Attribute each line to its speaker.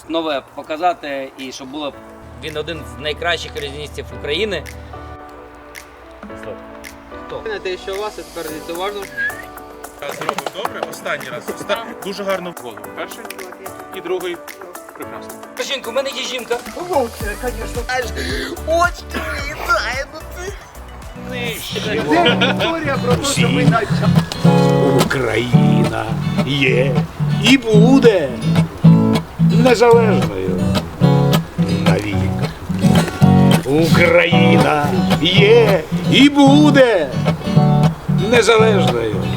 Speaker 1: нове показати і щоб було. Він один з найкращих ілюзіоністів України. Хто?
Speaker 2: Те, що у вас, і тепер дивіться уважно.
Speaker 3: Зробив добре, останній раз. Дуже гарно в голову. Перший і другий. Прекрасно.
Speaker 1: Жінка, у мене є жінка.
Speaker 4: Історія про те, що ми Україна є і буде незалежною навік. Україна є і буде незалежною